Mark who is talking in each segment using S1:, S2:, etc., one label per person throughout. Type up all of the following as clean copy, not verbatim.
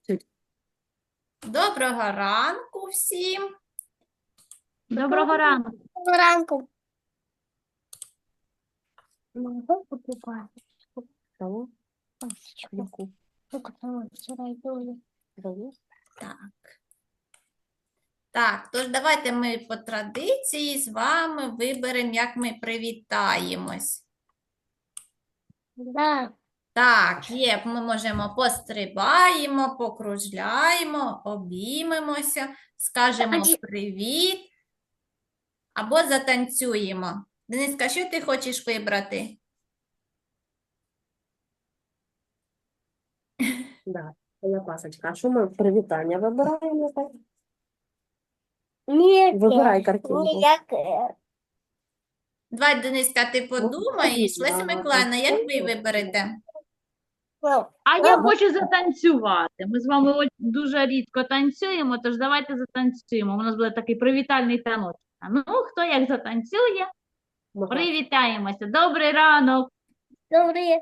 S1: Доброго ранку всім.
S2: Доброго ранку.
S3: Ранку. Могу покупать
S2: Кого?
S3: пасочку.
S2: Яку?
S3: Только там вчера делали.
S2: Кого?
S1: Так, тож давайте ми по традиції з вами виберемо, як ми привітаємось.
S3: Да.
S1: Так, є, ми можемо пострибаємо, покружляємо, обіймемося, скажемо привіт або затанцюємо. Дениска, що ти хочеш вибрати?
S2: Да. Я пасочка. А що ми привітання вибираємо? Так?
S3: Нет,
S2: Вибирай картинку.
S1: Давай, Дениска, ти подумаєш. Леся Миколаївна, як ви виберете?
S2: А я хочу затанцювати. Ми з вами дуже рідко танцюємо, тож давайте затанцюємо. У нас буде такий привітальний танок. Ну, хто як затанцює, привітаємося. Добрий ранок.
S3: Добрый.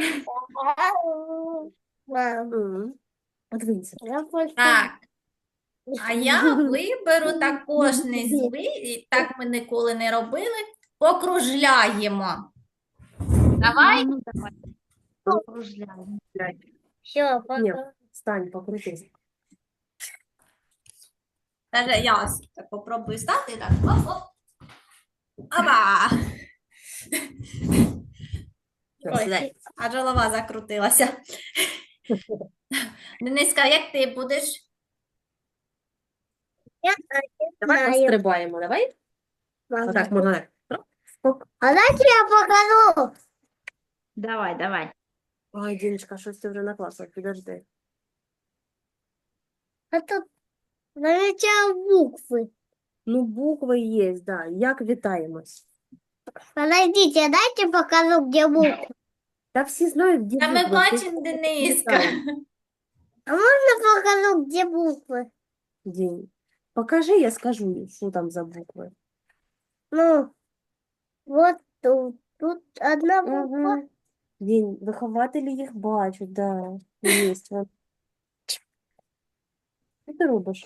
S2: Подивіться.
S1: Так. А я виберу також незвичайно, так ми ніколи не робили, покружляємо. Давай.
S2: Ну, давай. Покружляємо.
S3: Все,
S2: Ні,
S3: пока.
S2: встань, покрутись.
S1: Даже я ось так попробую стати, так, оп-оп. Аба! Ой, аж голова закрутилася. Дениска, як ти будеш?
S3: Я
S2: Давай
S3: знаю.
S2: пострибаємо, давай. Отак, можна.
S3: А дайте я покажу.
S2: Давай. Ой, Діночка, щось ти вже накласила, підожди.
S3: А тут начало буквы.
S2: Ну, букви є, да. Як вітаємось?
S3: Подождите, дайте покажу, где буквы.
S2: Та всі знають, де
S1: Та ми
S2: букви.
S1: бачимо, Дениска.
S3: А можно покажу, где буквы?
S2: Дінь. Покажи, я скажу, що там за букви.
S3: Ну, вот тут. Тут одна буква.
S2: Угу. Дінь, вихователі їх бачать, да. Є. Що ти робиш?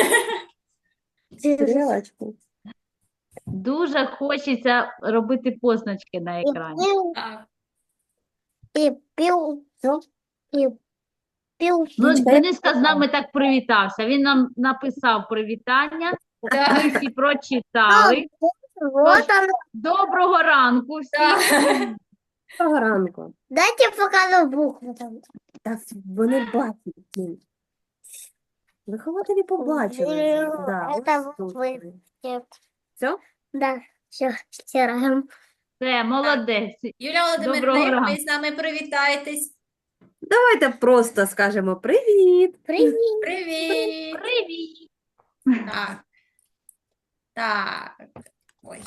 S2: Стрілочку.
S4: Дуже хочеться робити позначки на екрані.
S1: Так.
S3: И пил.
S2: Все?
S3: И пил.
S4: Ну,
S2: Діночка,
S4: Дениска з нами так привітався. Він нам написав привітання, ми всі прочитали.
S3: Вот она.
S4: Доброго ранку всім.
S2: Доброго ранку.
S3: Дайте покажу буквы там.
S2: Та вони бачать, Дінь. Вихователі побачили. Да,
S3: Это
S2: ось тут.
S3: буквы. Нет.
S2: Все?
S3: Да, все, стираем.
S4: Все, молодець.
S1: Юлія Володимирівна,
S4: Доброго
S1: як ви
S4: ранку.
S1: з нами привітаєтесь?
S2: Давайте просто скажемо привіт.
S3: Привет.
S1: Привіт!
S4: Привіт.
S1: Так. Так. Ой.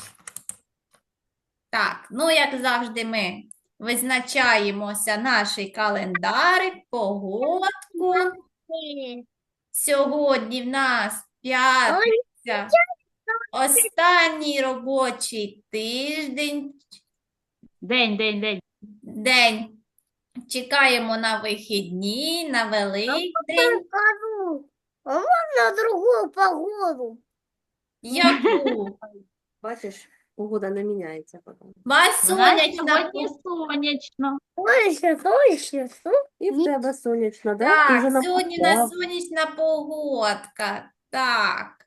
S1: Так, ну, як завжди, ми визначаємося наш календарик, погодку. Сьогодні в нас п'ятниця, останній робочий тиждень,
S4: День.
S1: день. Чекаємо на вихідні, на Великдень.
S3: Покажу. А можно другую погоду?
S1: Яку?
S2: Бачиш, погода не міняється потім.
S4: У нас
S1: Сонячна
S4: сьогодні сонячно.
S3: Точно.
S2: І в тебе сонячно, да?
S1: Так,
S2: Ти вже
S1: сьогодні у нас
S2: написав.
S1: сонячна погодка. Так.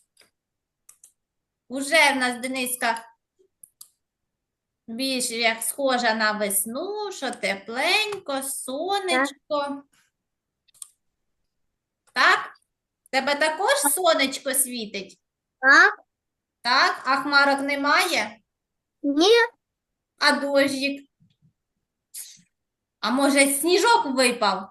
S1: Уже в нас Дениска більш як схожа на весну, що тепленько, сонечко. Так? Тебе також сонечко світить?
S3: Так?
S1: Так? А хмарок немає?
S3: Нет.
S1: А дощик? А може сніжок випав?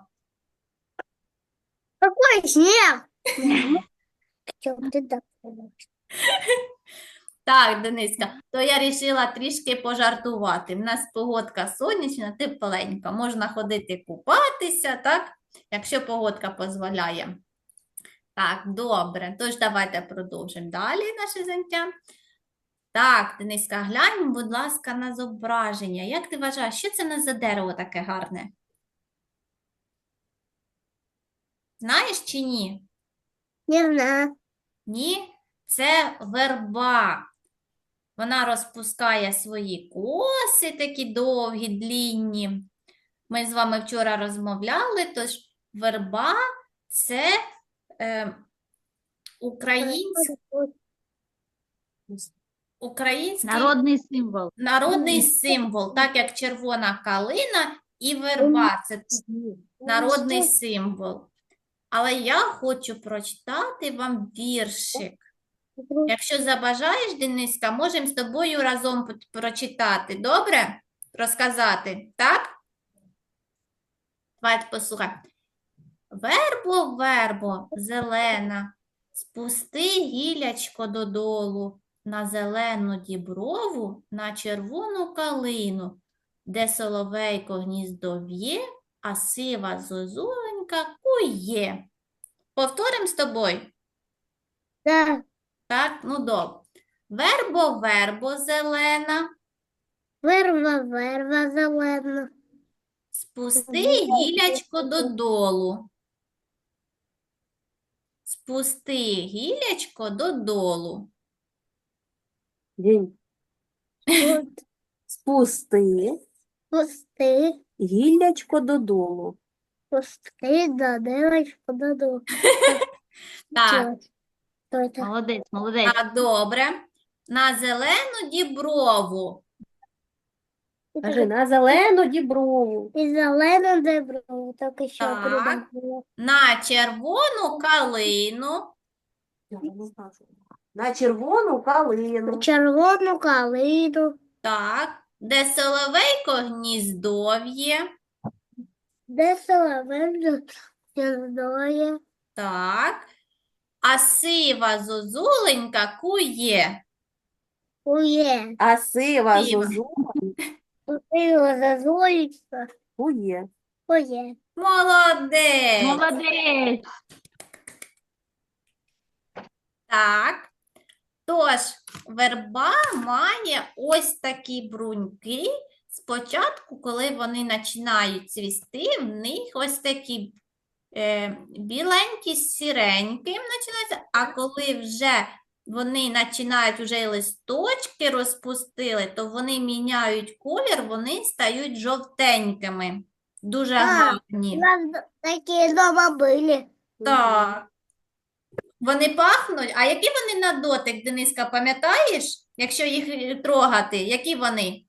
S3: Какой снег? Чё ты так думаешь?
S1: Так, Дениска, то я вирішила трішки пожартувати. У нас погодка сонячна, тепленька. Можна ходити купатися, так? Якщо погодка дозволяє. Так, добре. Тож давайте продовжимо далі наше заняття. Так, Дениска, глянь, будь ласка, на зображення. Як ти вважаєш, що це у нас за дерево таке гарне? Знаєш чи ні?
S3: Не знаю.
S1: Ні, це верба. Вона розпускає свої коси, такі довгі, длінні. Ми з вами вчора розмовляли, тож верба – це український
S2: Народний символ.
S1: народний символ, так як червона калина і верба – це народний символ. Але я хочу прочитати вам віршик. Якщо забажаєш, Дениска, можемо з тобою разом прочитати. Добре? Розказати, так? Давайте послухай. Вербо, вербо, зелена, спусти гілячко додолу на зелену діброву, на червону калину, де соловейко гніздо в'є, а сива зозуленька кує. Повторимо з тобою?
S3: Да.
S1: Так, ну добре. Вербо, вербо, зелена,
S3: Верва, верва, зелена.
S1: спусти гілячко додолу. Спусти гілячко додолу.
S5: День.
S3: От
S5: Спусти
S3: пусти,
S5: гіллячко додолу.
S3: пусти, да, девочку, даду.
S1: Так,
S3: Что это?
S2: Молодець, молодець.
S1: так, добре. На зелену діброву.
S5: Кажи, на зелену діброву.
S3: И зелену дебру, так еще
S1: Так.
S3: придумала.
S1: На червону калину.
S5: Я не знаю, що. На червону калину.
S3: Червону калину,
S1: Так. Де соловейко гніздов'є.
S3: де соловей гніздоє,
S1: Так. А сива зозуленька кує.
S3: кує,
S5: А сива
S1: Сива.
S5: зозуля
S3: купила зазулечка,
S5: кує.
S3: кує.
S1: Молодець.
S2: Молодець.
S1: Так. Тож, верба має ось такі бруньки. Спочатку, коли вони починають цвісти, в них ось такі біленькі, сіренькі починаються, а коли вже вони починають вже листочки розпустили, то вони міняють колір, вони стають жовтенькими. Дуже
S3: Так,
S1: гарні.
S3: У нас такие дома были.
S1: Так. Вони пахнуть. А які вони на дотик, Дениска, пам'ятаєш? Якщо їх трогати, які вони?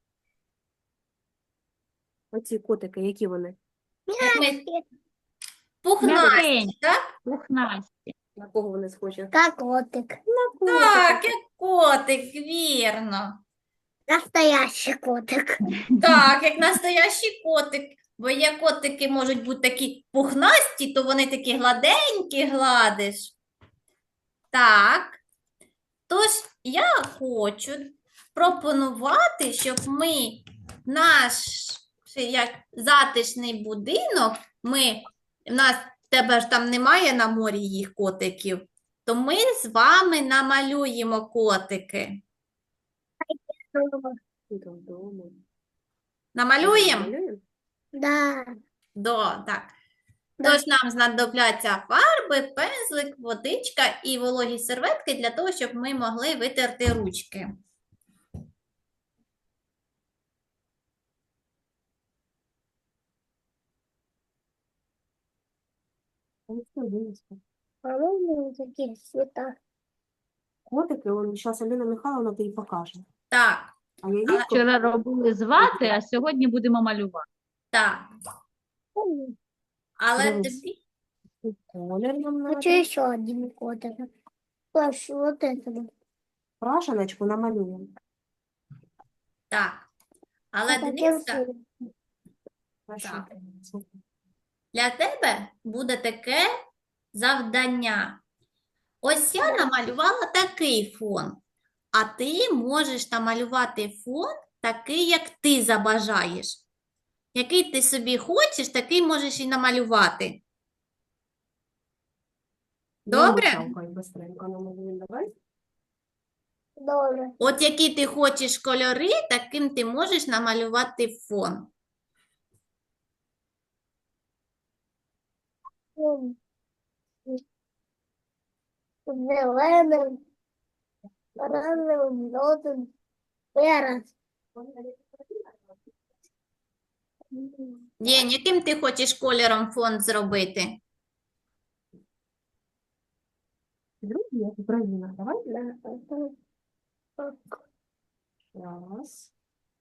S5: Оці котики, які вони?
S1: Як ми... Пухнасті,
S2: М'якенькі.
S1: так?
S2: Пухнасті.
S5: На кого вони схожі?
S3: Как котик.
S1: Так, як котик, вірно.
S3: Настоящий котик.
S1: Так, як настоящий котик. Бо є котики можуть бути такі пухнасті, то вони такі гладенькі гладиш. Так. Тож я хочу пропонувати, щоб ми наш як затишний будинок, в тебе ж там немає на морі їх котиків, то ми з вами намалюємо котики.
S5: Додому.
S1: Намалюємо?
S5: Малюємо?
S3: Да.
S1: Так.
S3: Да.
S1: Тож нам знадобляться фарби, пензлик, водичка і вологі серветки для того, щоб ми могли витерти ручки.
S5: Ось це винесли.
S3: По-моему, такие цвета.
S5: Котики, зараз Аліна Михайловна тобі покаже.
S1: Так,
S5: А я їх
S2: Вчора робили з вати, а сьогодні будемо малювати.
S1: так. Але
S5: Дивись.
S1: тобі
S5: колір нам
S3: Хочу
S5: надо.
S3: еще один котик. Хочу вот это.
S5: Крашеночку намалюємо.
S1: так. Але
S3: Вот таким
S1: Дениска,
S3: цветом.
S5: Крашенку.
S1: для тебе буде таке завдання. Ось я намалювала такий фон, а ти можеш намалювати фон такий, як ти забажаєш. Який ти собі хочеш, такий можеш і намалювати. Добре?
S5: Михалка, быстренько намалюємо, давай.
S3: Добре.
S1: От які ти хочеш кольори, таким ти можеш намалювати фон.
S3: М. Зеленим, оранжевим, жовтим, перед.
S1: День, яким ти хочеш кольором фон зробити?
S5: Другий, як Україна. Давай.
S3: Так.
S5: Раз.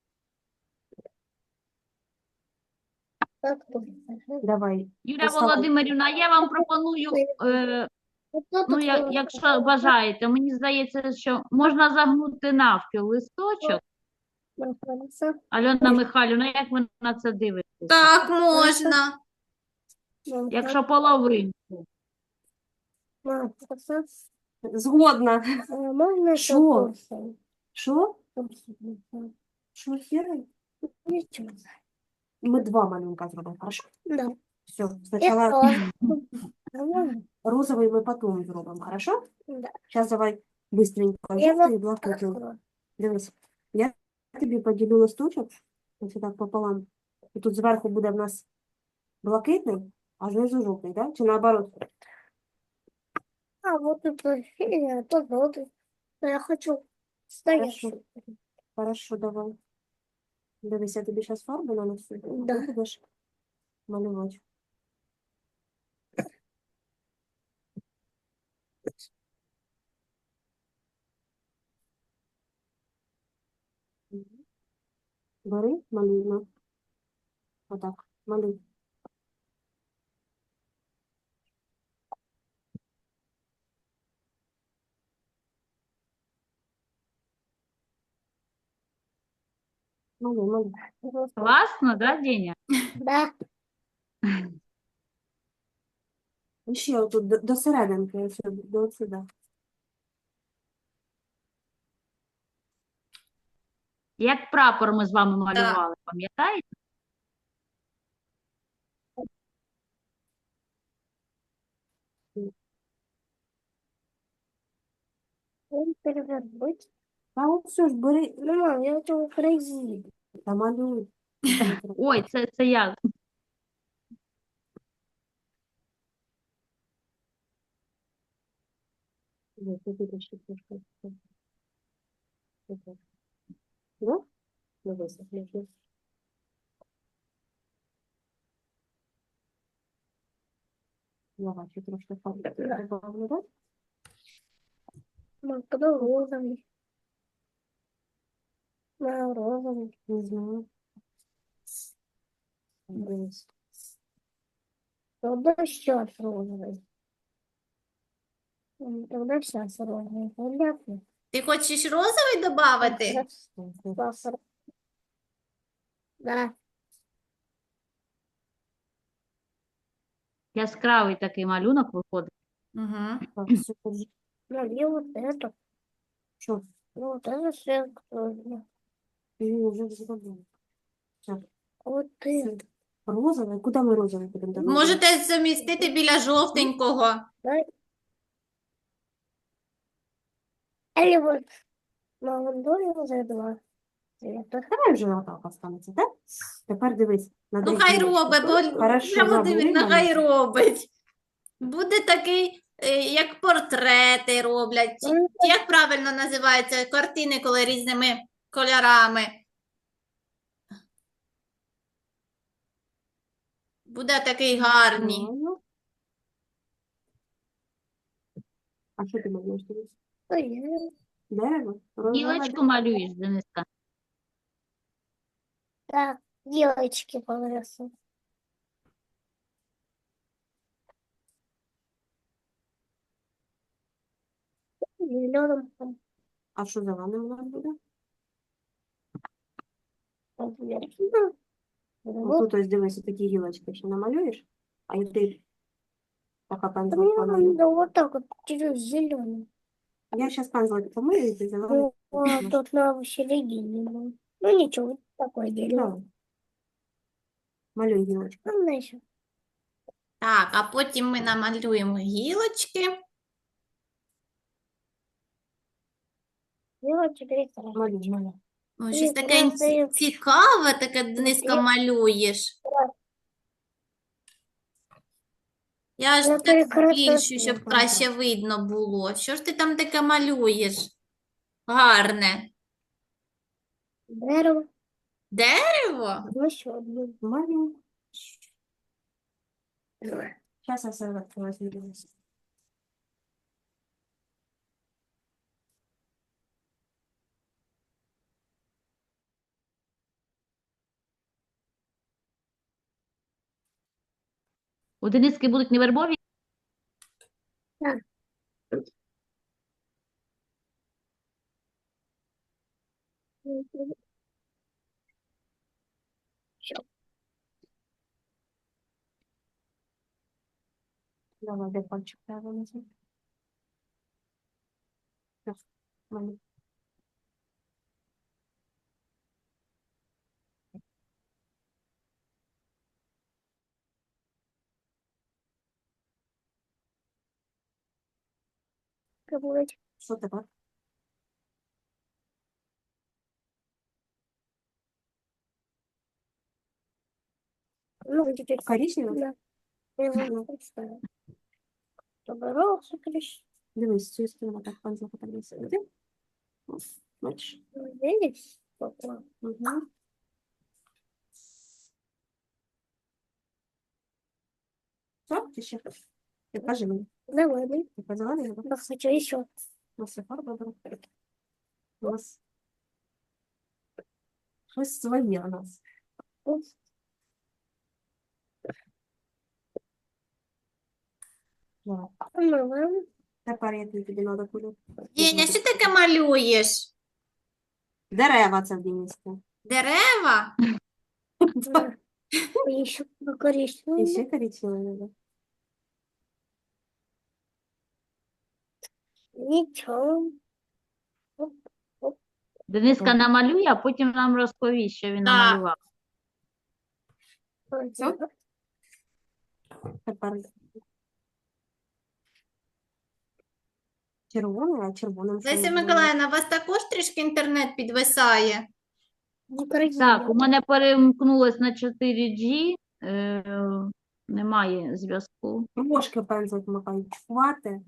S3: Так, тут.
S5: Давай.
S2: Юлія
S5: Поставимо.
S2: Володимирівна, я вам пропоную,
S3: Ото
S2: ну,
S3: тут
S2: якщо бажаєте, мені здається, що можна загнути навпіл листочок.
S3: знаходиться.
S2: Альона Михайлівна, як ви на це дивитеся?
S1: Так, можна.
S2: Якщо половинку.
S3: Знаходиться.
S5: Згодна.
S3: Можна
S5: Що?
S3: курсом?
S5: Що? Що, сірий?
S3: Нічого.
S5: Ми два малюнка зробимо, хорошо?
S3: Да.
S5: Все,
S3: Я
S5: спочатку
S3: тоже. Нормально?
S5: розовий ми потім зробимо, хорошо?
S3: Да.
S5: Зараз давай быстренько
S3: Я
S5: жовтий і блакитний.
S3: Хорошо.
S5: Дивись, я тобі поділю листочок, ось так пополам. І тут зверху буде в нас блакитний, а знизу жовтий, да? Чи наоборот?
S3: А вот это синий, а то желтый. Но я хочу стоящий.
S5: Хорошо, давай. Дивись, я тобі зараз фарбу нанесу, а
S3: Да.
S5: ти будеш малювати. Бери, малюй. На. Отак, малюй. Малюй, малюй.
S2: Класно, да, Деня?
S3: Да.
S5: І ще отут до серединки, ось до сюди.
S2: Як прапор ми з вами малювали, пам'ятаєте?
S3: Он перевернуть.
S5: Та от все ж бери,
S3: Ну, мам, я хочу красиво.
S5: та малюй.
S2: Ой, це я.
S5: Ось, тут ще трошки. Отак. Да? Дивись, можна. Я бачу трошки фарби добавлю, да?
S3: Мам, когда розовый. На розовый.
S5: Не знаю. Дивись.
S3: Тогда сейчас розовый. Тогда сейчас розовый. Понятно?
S1: Ти хочеш розовий додати?
S3: Сахар. Да.
S2: Яскравий такий малюнок виходить.
S1: Угу.
S5: Так, все, держи.
S3: Ну, и вот это.
S5: Що?
S3: Ну, вот это все.
S5: Ти вже зробила. Все.
S3: Вот это.
S5: Розовий? Куди ми розовий будемо давати?
S1: Можете замістити біля жовтенького.
S3: Да. Или вот молодой уже два цвета.
S5: Давай вже отак останеться, так? Тепер дивись. На
S1: Ну,
S5: дві
S1: хай
S5: книжки.
S1: робить, бо
S5: Хорошо,
S1: Юлія Володимирівна
S5: забули,
S1: хай
S5: Маруся?
S1: робить. Буде такий, як портрети роблять. Чи як правильно називаються картини, коли різними кольорами. Буде такий гарний.
S5: Правильно. А що ти малюєш? Дивись?
S3: Ой,
S5: Дерево? Розове
S2: Гілочку малюєш, Дениска.
S3: да, девочки понравятся. Зеленым там,
S5: А що зеленим у нас буде?
S3: например.
S5: Ось
S3: Вот.
S5: тут ось дивись, такі гілочки ще намалюєш, а і ти така
S3: Мне
S5: пензлик
S3: надо вот так вот через зеленый.
S5: Я зараз пензлик помию, і ти зелений.
S3: Ну, а тут на середине. Ну ничего, такое дерево.
S5: Да. Малюй гілочку.
S3: Ну, знаешь,
S1: Так, а потім ми намалюємо гілочки.
S3: делать теперь сразу.
S5: Малюй, малюй.
S1: Ой, щось
S3: Ні,
S1: таке
S3: просто я-
S1: цікаве, таке Дениска малюєш. Я ж
S3: Я
S1: так
S3: перекрасила.
S1: збільшую, щоб краще видно було. Що ж ти там таке малюєш? Гарне.
S3: Дерево.
S1: Дерево?
S3: Ну, еще одно.
S5: Малюй. Сейчас я серветку возьму.
S2: У Дениски будуть невербові?
S5: Давай, де пальчик треба нажати. Так, малюй.
S3: Пробовать.
S5: Що тепер?
S3: Ну, теперь
S5: Коричневий?
S3: да. Я вам представила. Поборолся, клещ.
S5: Дивись, з цієї сторони так пальцем подивися. Бачиш?
S3: Видишь? Попал.
S5: Угу. Все, ти ще? Ти кажи мені.
S3: Зеленый.
S5: Ти позелений?
S3: Я хочу еще.
S5: У нас є фарба була. У нас щось своє у нас. Давай.
S3: Ну,
S5: Тепер я тобі треба куди.
S1: Єня, що таке малюєш?
S5: Дерева це в Діністі.
S1: Дерева?
S3: ладно. Еще
S5: І
S3: коричневый.
S5: ще коричневий треба.
S3: Ничего.
S2: Дениска намалює, а потім нам розповість, що він
S1: Так.
S2: намалював.
S5: Все? Тепер червоний, а червоним що
S1: Леся
S5: ми
S1: Миколаївна, у вас також трішки інтернет підвисає?
S3: Не коричневый.
S2: Так, у мене перемкнулось на 4G, немає зв'язку.
S5: Трошки пензлик Михайлович, хвати.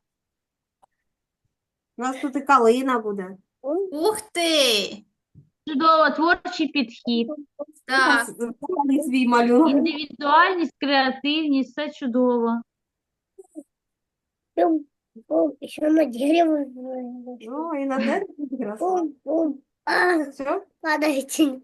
S5: У нас тут і калина буде.
S1: Ух ти!
S2: Чудово, творчий підхід,
S1: Так,
S5: Показали свій малюнок.
S2: індивідуальність, креативність, все чудово.
S3: Бум, бум. Еще на дерево.
S5: Ну, і на дереві краса.
S3: Бум, бум. А,
S5: Все?
S3: падайте.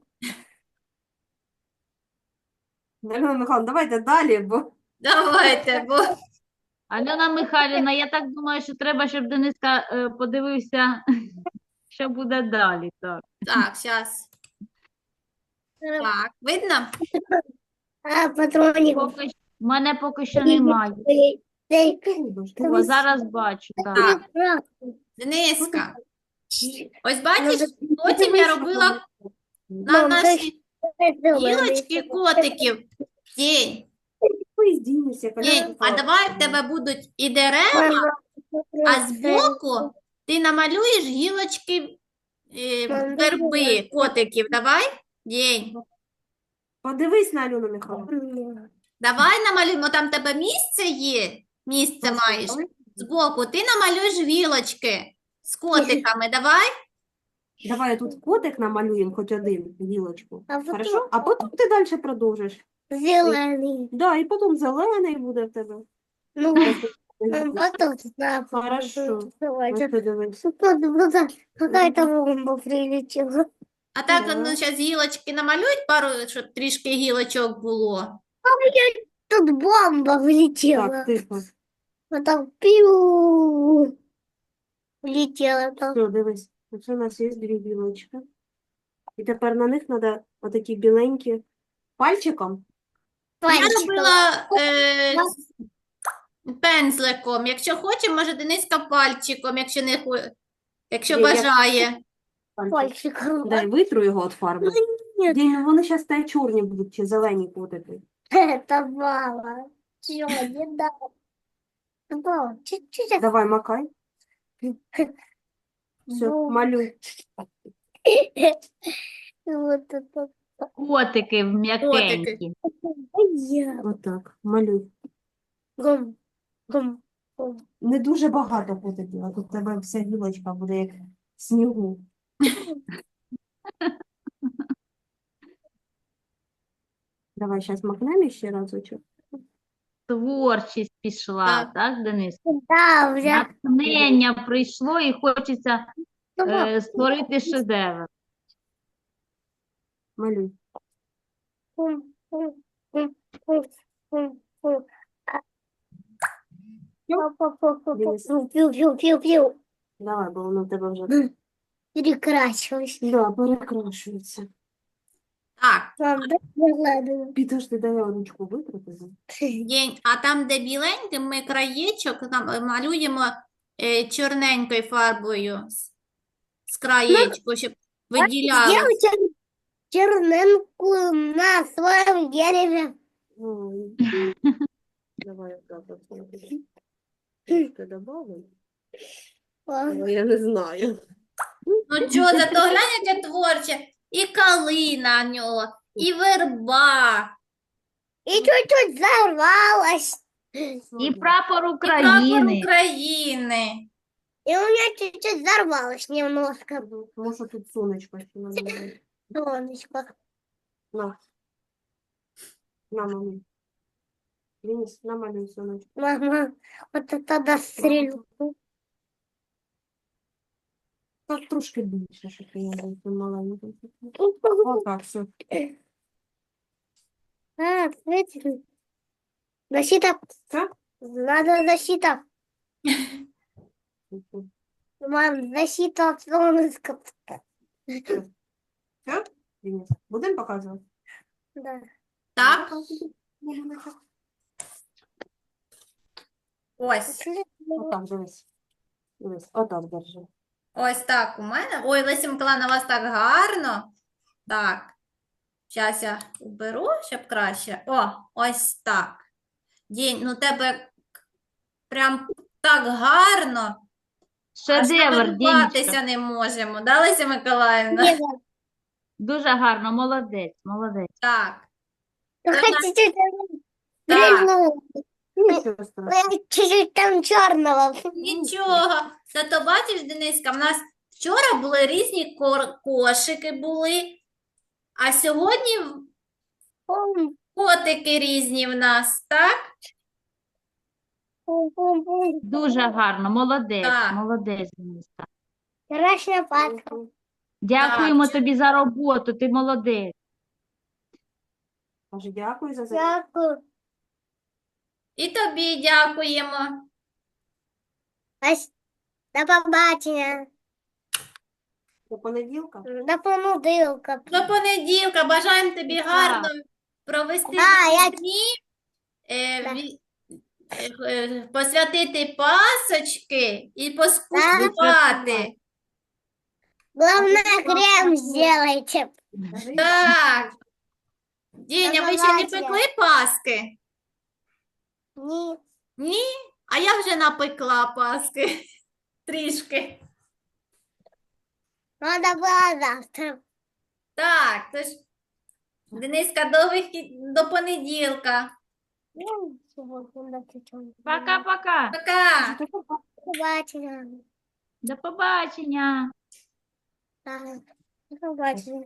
S5: Альона Михайловна, давайте далі, бо
S1: давайте, бо
S2: Альона Михайлівна, я так думаю, що треба, щоб Дениска подивився, що буде далі. Так.
S1: так, зараз. Так, видно?
S3: А, патроник.
S2: В мене поки що немає. О, зараз бачу, так.
S1: Так. Дениска, ось бачиш, потім я робила на наші гілочки котиків. День,
S5: ви здійснюся,
S1: день. А давай в тебе будуть і дерева, а збоку ти намалюєш гілочки верби котиків. Давай? День.
S5: Подивись на Альону Михайловну.
S1: Давай намалюємо, там в тебе місце є, місце маєш. Збоку ти намалюєш гілочки з котиками, давай?
S5: Давай тут котик намалюємо, хоч один гілочку.
S3: А потім
S5: Хорошо? А потім ти далі продовжиш.
S3: зеленый.
S5: Да, і потім зелений буде в тебе.
S3: Ну, потом, да,
S5: Хорошо.
S3: давайте.
S5: Ось подивись.
S3: Вот какая-то бомба прилетела.
S1: А так,
S5: Ага.
S1: ну, зараз гілочки намалюють пару, щоб трішки гілочок було.
S3: Тут бомба влетела.
S5: Так, тихо.
S3: Вот там пиу. Влетела там.
S5: Все, дивись. Оце у нас є дві гілочки. І тепер на них треба отакі біленькі пальчиком.
S1: Я
S3: Пальчиком.
S1: робила пензликом. Якщо хоче, може Дениска пальчиком, якщо не якщо
S5: Ні, я-
S1: бажає.
S3: Пальчиком.
S5: Дай витру його від фарби.
S3: Нет,
S5: Дінь, ну вони зараз та чорні будуть, чи зелені котики.
S3: это мало. Чё, не дал. Мало, чуть-чуть.
S5: Давай, макай. Все,
S3: Ну,
S5: малюй.
S3: Вот это.
S2: Котики м'якенькі.
S3: Я.
S5: Отак, малюй.
S3: Гум, гум, гум.
S5: Не дуже багато буде діла. Тут у тебе вся гілочка буде як в снігу. Давай зараз макнемо ще разочок.
S2: Творчість пішла,
S1: Так.
S2: так, Денис?
S3: Да, уже.
S2: Натхнення прийшло і хочеться створити шедевр.
S5: Малюй.
S3: Гум, гум, гум, гум, гум, гум.
S5: Дивись.
S3: Пиу-пиу-пиу-пиу.
S5: Давай, бо воно в тебе вже
S3: Перекрасилась.
S5: да, перекрашується.
S1: Так,
S3: Мам, дай я гладу.
S5: Підожди, дай я ручку витрати.
S1: а там, де біленьким, ми краєчок малюємо чорненькою фарбою з краєчку, щоб виділялося.
S3: Сделайте черненку на своем дереве.
S5: Ой. Давай я так от смотри. Трошки добавимо. Ой, я не знаю.
S1: Ну чого, зато глянь, яке творче. І калина в нього, і верба,
S3: И чуть-чуть взорвалась.
S2: І прапор
S1: і прапор
S2: України.
S1: України.
S3: И у меня чуть-чуть взорвалось немножко.
S5: Тому що тут сонечко ще намалює.
S3: Солнышко.
S5: На. На, мамі. Денис, намалюй сонечко.
S3: Мама, вот это дострелю.
S5: Так трошки більше, щоб я був маленький. Отак, все.
S3: А, смотрите. Защита.
S5: Все?
S3: Надо защита. Мам, защита от солнышка.
S5: Все? Денис, будемо показувати?
S3: Да.
S1: Так, ось.
S5: Отак, дивись. Дивись, отак держи.
S1: Ось так у мене. Ой, Леся Миколаївна, у вас так гарно. Так. Зараз я уберу, щоб краще. О, ось так. Дінь, ну тебе прям так гарно. Аж
S2: Шедевр,
S1: налюбуватися
S2: Дінечка.
S1: не можемо. Да, Леся Миколаївна?
S2: Дуже гарно, молодець, молодець.
S1: Так.
S3: Хотите
S1: Так.
S3: стрельну?
S5: Нічого страшного.
S3: Чуть-чуть там черного.
S1: Нічого. Зато бачиш, Дениска, в нас вчора були різні кошики були, а сьогодні котики різні в нас, так?
S2: Дуже гарно, молодець,
S1: Так.
S2: молодець, Дениска.
S3: Красная патка.
S2: Дякуємо тобі за роботу, ти молодець.
S5: Каже, дякую за заняття.
S3: Дякую.
S1: І тобі дякуємо.
S3: До побачення.
S5: До понеділка.
S3: До понеділка.
S1: До понеділка. Бажаємо тобі
S2: Так.
S1: гарно провести
S3: Да, я-
S1: дні,
S3: Да.
S1: посвятити пасочки і поскуштувати.
S3: Главное, крем сделайте.
S5: Кажи,
S1: Так. Діня, ви ще не
S3: побачення.
S1: пекли паски?
S3: Ні.
S1: Ні? А я вже напекла паски. Трішки.
S3: Надо было завтра.
S1: Так, тож, Дениска, до понеділка.
S3: Сегодня до чуть-чуть.
S2: Пока-пока.
S1: Пока.
S3: До побачення.
S2: До побачення.
S3: Так, до побачення.